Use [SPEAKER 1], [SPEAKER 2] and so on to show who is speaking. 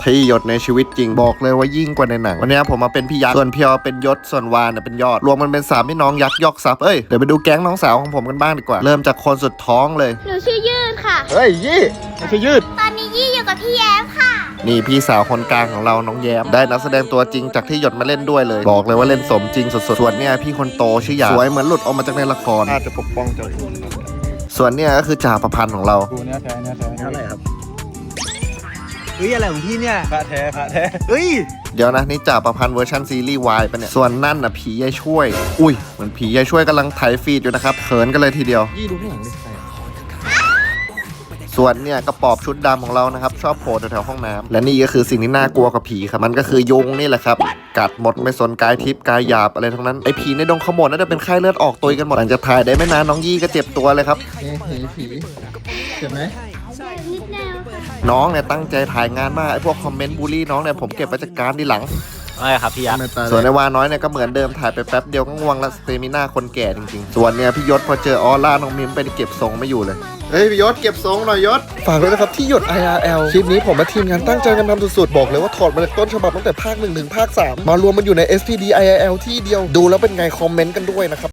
[SPEAKER 1] ที่หยดในชีวิตจริงบอกเลยว่ายิ่งกว่าในหนังวันนี้ผมมาเป็นพี่ยักษ์ส่วนพี่อเป็นยศส่วนวานเป็นยอดรวมมันเป็น3พี่น้องยักษ์ยอกทรัพย์เดี๋ยวไปดูแก๊งน้องสาวของผมกันบ้างดีกว่าเริ่มจากคนสุดท้องเลย
[SPEAKER 2] หนูชื่อยืดค่ะ
[SPEAKER 1] เฮ้ยยี่ไม่ใช่ยืด
[SPEAKER 2] ตอนนี้ยี่อยู่กับพี่แย้มค่ะ
[SPEAKER 1] นี่พี่สาวคนกลางของเราน้องแย้มได้นักแสดงตัวจริงจากที่หยดมาเล่นด้วยเลยบอกเลยว่าเล่นสมจริงสุดๆส่วนเนี่ยพี่คนโตชื่อหยาสวยเหมือนหลุดออกมาจากในละครอาจจะปกป้องเจ้าส่วนเนี่ยก็คือจ่าประพันธ์ของเรา
[SPEAKER 3] ดูเนื้อแท้เท่าไหร่ครับ
[SPEAKER 4] เฮ้ยอะไรของพี่เนี่ย
[SPEAKER 3] พระแท้
[SPEAKER 4] เฮ้ย
[SPEAKER 1] เดี๋ยวนะนี่จ่าประพันธ์เวอร์ชันซีรีส์วายปะเนี่ยส่วนนั่นน่ะผียายช่วยอุ้ยเหมือนผียายช่วยกำลังไถฟีดอยู่นะครับเขินกันเลยทีเดียว
[SPEAKER 4] ยี่ดูข้างหลังดิ
[SPEAKER 1] ส่วนเนี่ยกระปอบชุดดำของเรานะครับชอบโผล่แถวๆห้องน้ำและนี่ก็คือสิ่งที่น่ากลัวกับผีครับมันก็คือยุงนี่แหละครับกัดหมดไม่สนกายทิพย์กายหยาบอะไรทั้งนั้นไอ้ผีในดงขโมดน่าจะเป็นไข้เลือดออกตัวกันหมดหลังจากถ่ายได้ไม่นานน้องยี่ก็เจ็บตัวเลยครับ
[SPEAKER 4] ผีเจ็บไหม
[SPEAKER 2] นิดแนวค่ะ
[SPEAKER 1] น้องเนี่ยตั้งใจถ่ายงานมากไอ้พวกคอมเมนต์บูลลี่น้องเนี่ยผมเก็บไว้จัดการทีหลัง
[SPEAKER 4] ไม่ครับพี่ยักษ์
[SPEAKER 1] ส่วนในวาน้อยเนี่ยก็เหมือนเดิมถ่ายไปแป๊บเดียวก็ง่วงแล้วสเตมิน่าคนแก่จริงๆส่วนเนี่ยพี่ยศพอเจอออร่าน้องมิมไปเก็บทรงไม่อยู่เลยเฮ้ยพี่ยศเก็บทรงหน่อยยศฝากด้วยนะครับที่หยด IRL คลิปนี้ผมและทีมงานตั้งใจกันทำสุดๆบอกเลยว่าถอดมาจากต้นฉบับตั้งแต่ภาค1 ถึงภาค 3มารวมมันอยู่ใน SPD IRL ที่เดียวดูแล้วเป็นไงคอมเมนต์กันด้วยนะครับ